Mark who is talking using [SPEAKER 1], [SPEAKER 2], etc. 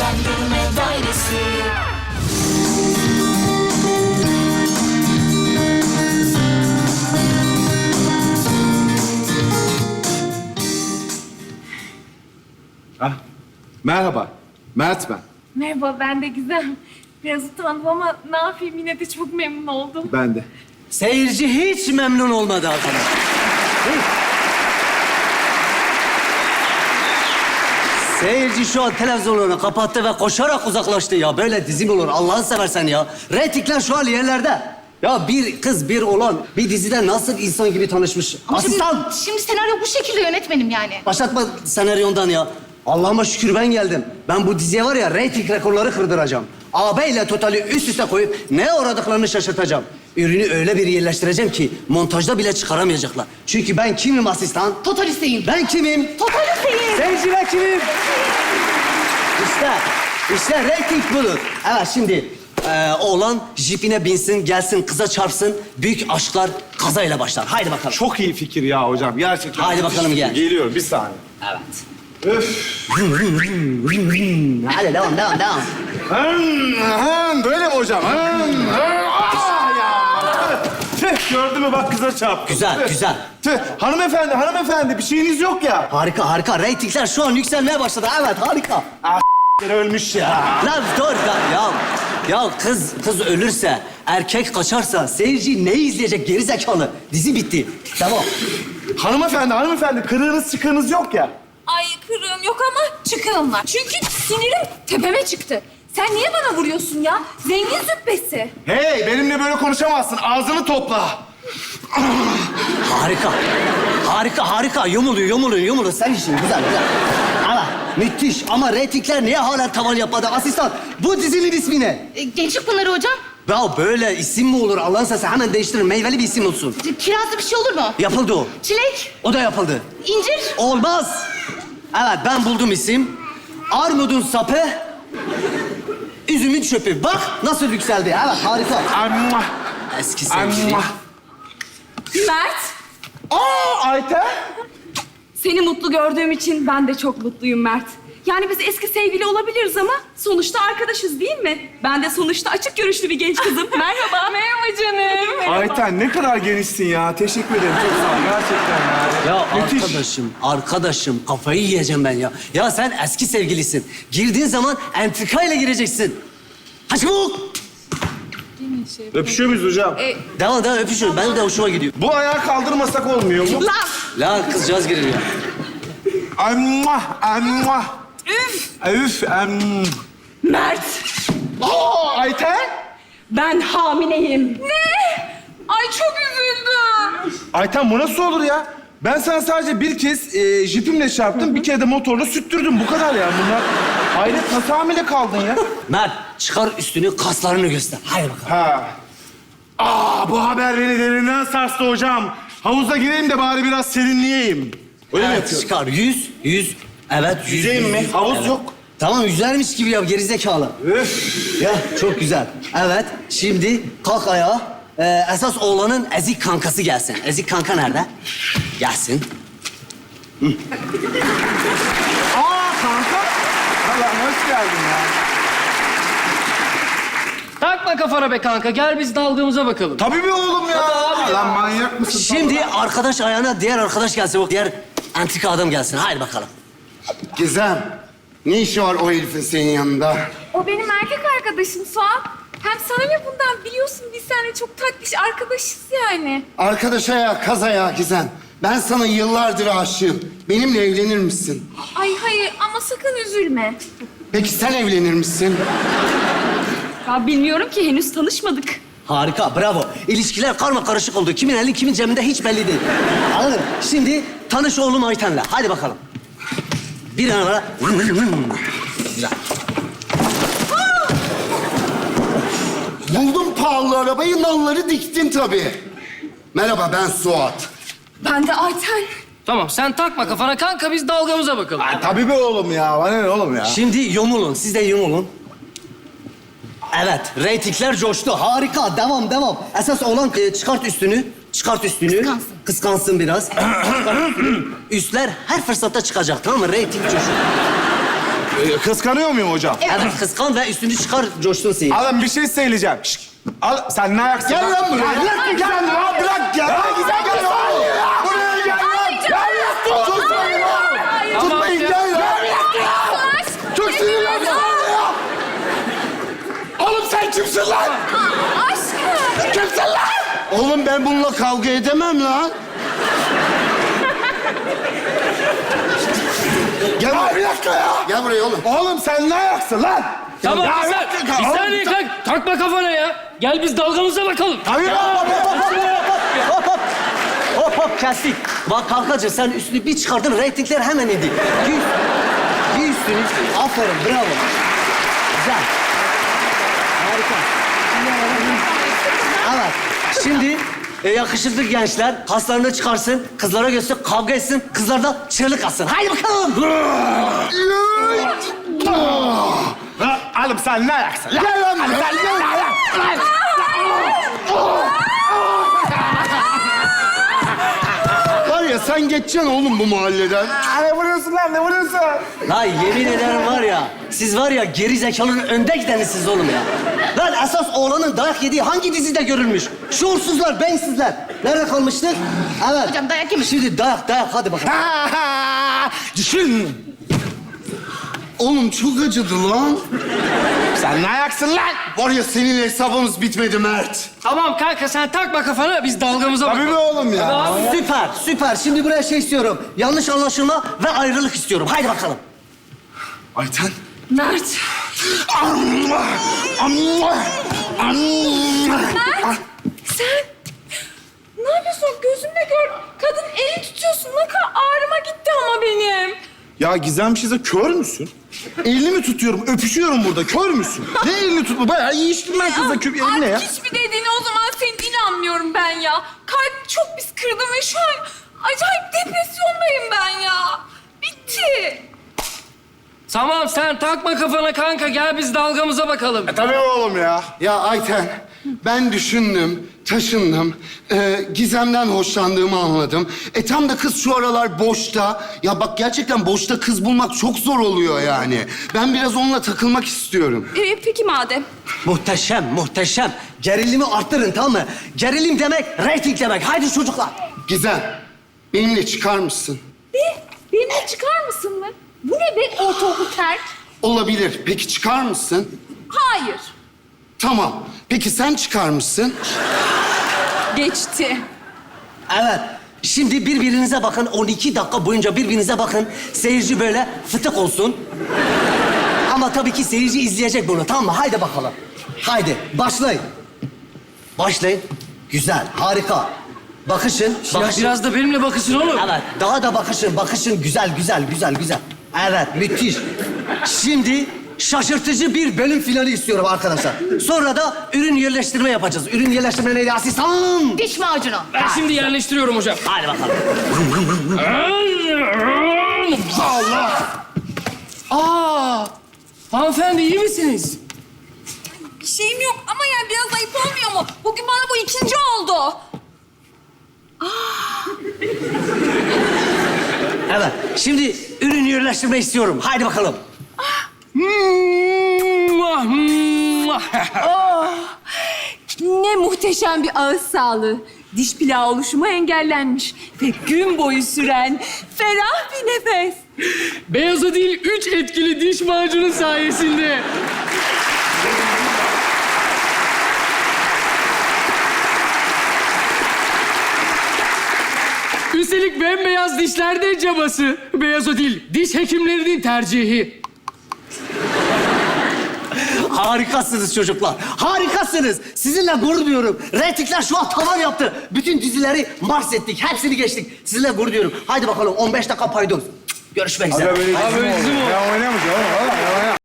[SPEAKER 1] Seslendirme Dairesi.
[SPEAKER 2] Ah, merhaba. Mert ben.
[SPEAKER 3] Merhaba, ben de Gizem. Biraz utandım ama ne yapayım, yine de çok memnun oldum.
[SPEAKER 2] Ben de.
[SPEAKER 4] Seyirci hiç memnun olmadı arkadaş. Hiç. Seyirci şu an televizyonunu kapattı ve koşarak uzaklaştı ya. Böyle dizi mi olur Allah'ını seversen ya. Reytingler şu an yerlerde. Ya bir kız, bir oğlan bir dizide nasıl insan gibi tanışmış. Asistan!
[SPEAKER 5] Şimdi senaryo bu şekilde yönetmenim yani.
[SPEAKER 4] Başlatma senaryondan ya. Allah'ıma şükür ben geldim. Ben bu diziye var ya reyting rekorları kırdıracağım. AB ile Total'i üst üste koyup neye uğradıklarını şaşırtacağım. Ürünü öyle bir yerleştireceğim ki montajda bile çıkaramayacaklar. Çünkü ben kimim asistan?
[SPEAKER 5] Totalisteyim.
[SPEAKER 4] Ben kimim?
[SPEAKER 5] Totalisteyim.
[SPEAKER 4] Seyirciler kimim? İşte reyting budur. Evet şimdi oğlan jipine binsin, gelsin, kıza çarpsın. Büyük aşklar kazayla başlar. Haydi bakalım.
[SPEAKER 2] Çok iyi fikir ya hocam. Gerçekten.
[SPEAKER 4] Haydi bakalım, gel.
[SPEAKER 2] Geliyorum bir saniye.
[SPEAKER 4] Evet.
[SPEAKER 2] Öf.
[SPEAKER 4] Hadi devam.
[SPEAKER 2] Böyle mi hocam? Tüh, gördün mü bak kıza çarptı.
[SPEAKER 4] Güzel.
[SPEAKER 2] Tüh, hanımefendi bir şeyiniz yok ya.
[SPEAKER 4] Harika. Reytingler şu an yükselmeye başladı. Evet, harika.
[SPEAKER 2] Ölmüş ya.
[SPEAKER 4] Lan dur ya. Ya kız ölürse, erkek kaçarsa seyirci ne izleyecek gerizekalı? Dizi bitti. Tamam.
[SPEAKER 2] Hanımefendi kırığınız çıkığınız yok ya.
[SPEAKER 3] Ay kırığım yok ama çıkığım var. Çünkü sinirim tepeme çıktı. Sen niye bana vuruyorsun ya? Zengin züppesi.
[SPEAKER 2] Hey, benimle böyle konuşamazsın. Ağzını topla.
[SPEAKER 4] Harika. Yumulun. Sen işin güzel. Ama müthiş. Ama reytingler niye hala tavan yapmadı? Asistan, bu dizinin ismi ne?
[SPEAKER 5] Gençlik Pınarı hocam.
[SPEAKER 4] Ya böyle isim mi olur? Allah'ın sesi hemen değiştirin. Meyveli bir isim olsun.
[SPEAKER 5] Kirazlı bir şey olur mu?
[SPEAKER 4] Yapıldı o.
[SPEAKER 5] Çilek,
[SPEAKER 4] O da yapıldı.
[SPEAKER 5] incir.
[SPEAKER 4] Olmaz. Evet, ben buldum isim. Armudun sapı, üzümün çöpü. Bak nasıl yükseldi. Evet, harika.
[SPEAKER 2] Amma.
[SPEAKER 4] Eski sevgili.
[SPEAKER 2] Amma.
[SPEAKER 3] Mert,
[SPEAKER 2] Ayten.
[SPEAKER 3] seni mutlu gördüğüm için ben de çok mutluyum Mert. Yani biz eski sevgili olabiliriz ama sonuçta arkadaşız değil mi? Ben de sonuçta açık görüşlü bir genç kızım. Merhaba. Merhaba canım.
[SPEAKER 2] Ayten ne kadar genişsin ya. Teşekkür ederim. Çok sağ ol. Gerçekten ya.
[SPEAKER 4] Ya
[SPEAKER 2] Müthiş.
[SPEAKER 4] arkadaşım kafayı yiyeceğim ben ya. Ya sen eski sevgilisin. Girdiğin zaman entrikayla gireceksin. Hadi çabuk.
[SPEAKER 2] Öpüşüyor muyuz hocam?
[SPEAKER 4] Devam öpüşün. Benim de hoşuma gidiyor.
[SPEAKER 2] Bu ayağı kaldırmasak olmuyor mu?
[SPEAKER 4] La kızcağız girir ya.
[SPEAKER 2] Amma. Üf.
[SPEAKER 3] Mert,
[SPEAKER 2] Ayten.
[SPEAKER 3] ben hamileyim. Ne? Ay çok üzüldüm.
[SPEAKER 2] Ayten bu nasıl olur ya? Ben sana sadece bir kez jipimle çarptım, bir kere de motorla süttürdüm. Bu kadar ya bunlar. Hayret nasıl hamile kaldın ya?
[SPEAKER 4] Mert çıkar üstünü, kaslarını göster. Haydi bakalım.
[SPEAKER 2] Bu haber beni derinden sarstı hocam. Havuza gireyim de bari biraz serinleyeyim. Öyle mi
[SPEAKER 4] Evet,
[SPEAKER 2] yapıyorum?
[SPEAKER 4] çıkar. Yüz. Evet,
[SPEAKER 2] Yüzeyim mi? Havuz yok.
[SPEAKER 4] Tamam, yüzermiş gibi yap gerizekalı.
[SPEAKER 2] Öf.
[SPEAKER 4] Ya çok güzel. Evet, şimdi kalk ayağa. Esas oğlanın ezik kankası gelsin. Ezik kanka nerede? Gelsin.
[SPEAKER 2] Kanka. Allah'ım hoş geldin ya.
[SPEAKER 6] Takma kafana be kanka. Gel biz dalgımıza bakalım.
[SPEAKER 2] Tabii mi oğlum ya? Lan manyak mısın?
[SPEAKER 4] Şimdi arkadaş ayağına diğer arkadaş gelsin. O diğer antika adam gelsin. Haydi bakalım.
[SPEAKER 7] Gizem, ne işi var o herifin senin yanında?
[SPEAKER 3] O benim erkek arkadaşım Suat. Hem sana ne bundan biliyorsun, biz seninle çok tatlış arkadaşız yani.
[SPEAKER 7] Arkadaşa ya, kaz ayağı Gizem. Ben sana yıllardır aşığım. Benimle evlenir misin?
[SPEAKER 3] Ay hayır ama sakın üzülme.
[SPEAKER 7] Peki sen evlenir misin?
[SPEAKER 3] Ya bilmiyorum ki, henüz tanışmadık.
[SPEAKER 4] Harika, bravo. İlişkiler karma karışık oldu. Kimin eli kimin cebinde hiç belli değil. Anladın mı? Şimdi tanış oğlum Ayten'le. Hadi bakalım. Bir an ara. Güzel.
[SPEAKER 7] Buldum pahalı arabayı, nalları diktin tabii. Merhaba, ben Suat.
[SPEAKER 3] Ben de Ayten.
[SPEAKER 6] Tamam sen takma kafana kanka biz dalgamıza bakalım.
[SPEAKER 2] Tabii be oğlum ya. Bana ne oğlum ya?
[SPEAKER 4] Şimdi yumulun. Siz de yumulun. Evet, reytingler coştu. Harika, devam. Esas olan çıkart üstünü. Kıskansın biraz. Üstler her fırsatta çıkacak, tamam mı? Reyting coşuyor.
[SPEAKER 2] Kıskanıyor muyum hocam?
[SPEAKER 4] Evet kıskan ve üstünü çıkar coştun seyir.
[SPEAKER 2] Alın bir şey söyleyeceğim. Şşt. Al, sen ne ayaksın?
[SPEAKER 7] Gel lan buraya.
[SPEAKER 2] Bırak Gizem ya, bırak ya.
[SPEAKER 7] Ya Gizem gel lan. Buraya gel lan. Tutmayın lan. Tutmayın gel lan. Çok sinirlendim. Oğlum sen kimsin lan?
[SPEAKER 3] Aşkım.
[SPEAKER 7] Kimsin lan? Oğlum ben bununla kavga edemem lan. Gel buraya. Bir dakika ya. Gel buraya oğlum.
[SPEAKER 2] Oğlum sen ne ayaksın lan?
[SPEAKER 6] Tamam
[SPEAKER 2] Ya
[SPEAKER 6] bir
[SPEAKER 2] bırak
[SPEAKER 6] saniye.
[SPEAKER 2] ya,
[SPEAKER 6] Bir
[SPEAKER 2] oğlum,
[SPEAKER 6] saniye kanka. Takma kafana ya. Gel biz dalgamıza bakalım.
[SPEAKER 2] Hayır.
[SPEAKER 4] Hop hop kestik. Bak kankacığım sen üstünü bir çıkardın reytingler hemen indi. Giy üstünü. Aferin bravo. Güzel. Harika. Evet. Şimdi yakışıklı gençler kaslarını çıkarsın, kızlara göster, kavga etsin, kızlar da çığlık atsın. Haydi bakalım.
[SPEAKER 2] Oğlum sen ne ayaksın?
[SPEAKER 7] Gel lan buraya. Gel lan. Var ya sen geçeceksin oğlum bu mahalleden.
[SPEAKER 2] Ne vuruyorsun lan, ne vuruyorsun?
[SPEAKER 4] Lan yemin ederim var ya, siz var ya geri zekalının önde gidenisiniz oğlum ya. Lan esas oğlanın dayak yediği hangi dizide görülmüş? Şuursuzlar, beyinsizler. Nerede kalmıştık? Evet.
[SPEAKER 5] Hocam dayak yemiş.
[SPEAKER 4] Şimdi dayak hadi bakalım.
[SPEAKER 7] Düşün. Oğlum çok acıdı lan.
[SPEAKER 2] Sen ne ayaksın lan?
[SPEAKER 7] Var ya seninle hesabımız bitmedi Mert.
[SPEAKER 6] Tamam kanka sen takma kafana biz dalgamıza
[SPEAKER 2] Tabii
[SPEAKER 6] bakalım.
[SPEAKER 2] mi oğlum ya?
[SPEAKER 4] Süper. Şimdi buraya şey istiyorum. Yanlış anlaşılma ve ayrılık istiyorum. Haydi bakalım.
[SPEAKER 2] Ayten.
[SPEAKER 3] Mert. Mert. Sen ne yapıyorsun? Gözümle gör. Kadın eli tutuyorsun. Ne kadar ağrıma gitti ama benim.
[SPEAKER 2] Ya Gizem Şize kör müsün? Elini mi tutuyorum? Öpüşüyorum burada. Kör müsün? Ne elini tutma? Bayağı iyi içtim ben kızla küp eline ya.
[SPEAKER 3] Artık hiçbir dediğine o zaman senin inanmıyorum ben ya. Kalbimi çok pis kırdım ve şu an acayip depresyondayım ben ya. Bitti.
[SPEAKER 6] Tamam sen takma kafana kanka gel biz dalgamıza bakalım.
[SPEAKER 2] Tabii oğlum ya.
[SPEAKER 7] Ya Ayten, ben düşündüm, taşındım. Gizem'den hoşlandığımı anladım. Tam da kız şu aralar boşta. Ya bak gerçekten boşta kız bulmak çok zor oluyor yani. Ben biraz onunla takılmak istiyorum.
[SPEAKER 3] Peki madem.
[SPEAKER 4] Muhteşem. Gerilimi arttırın tamam mı? Gerilim demek, reyting demek. Haydi çocuklar.
[SPEAKER 7] Gizem, benimle çıkar mısın?
[SPEAKER 3] Benimle çıkar mısın mı? Bu ne be ortaokul terk?
[SPEAKER 7] Olabilir. Peki çıkar mısın?
[SPEAKER 3] Hayır.
[SPEAKER 7] Tamam. Peki sen çıkar mısın?
[SPEAKER 3] Geçti.
[SPEAKER 4] Evet. Şimdi birbirinize bakın. 12 dakika boyunca birbirinize bakın. Seyirci böyle fıtık olsun. Ama tabii ki seyirci izleyecek bunu. Tamam mı? Haydi bakalım. Haydi başlayın. Başlayın. Güzel, harika. Bakışın.
[SPEAKER 6] Ya biraz da benimle bakışın oğlum.
[SPEAKER 4] Evet, daha da bakışın. Güzel. Evet, müthiş. Şimdi şaşırtıcı bir bölüm finali istiyorum arkadaşlar. Sonra da ürün yerleştirme yapacağız. Ürün yerleştirme neydi asistan?
[SPEAKER 5] Diş macunu.
[SPEAKER 6] Ben şimdi yerleştiriyorum hocam.
[SPEAKER 4] Hadi bakalım.
[SPEAKER 6] Hanımefendi iyi misiniz?
[SPEAKER 3] Bir şeyim yok ama yani biraz ayıp olmuyor mu? Bugün bana bu ikinci oldu.
[SPEAKER 4] Evet, şimdi ürün yerleştirme istiyorum. Haydi bakalım.
[SPEAKER 3] Ne muhteşem bir ağız sağlığı. Diş plağı oluşumu engellenmiş ve gün boyu süren ferah bir nefes.
[SPEAKER 6] Beyaza değil 3 etkili diş macunu sayesinde. Üstelik bembeyaz dişlerde cabası. Beyaz o değil, diş hekimlerinin tercihi.
[SPEAKER 4] Harikasınız çocuklar. Harikasınız. Sizinle gurur duyuyorum. Reytingler şu an tavan yaptı. Bütün dizileri mars ettik. Hepsini geçtik. Sizinle gurur duyuyorum. Haydi bakalım 15 dakika paydos. Görüşmek üzere.
[SPEAKER 2] Ben oynamayacağım oğlum.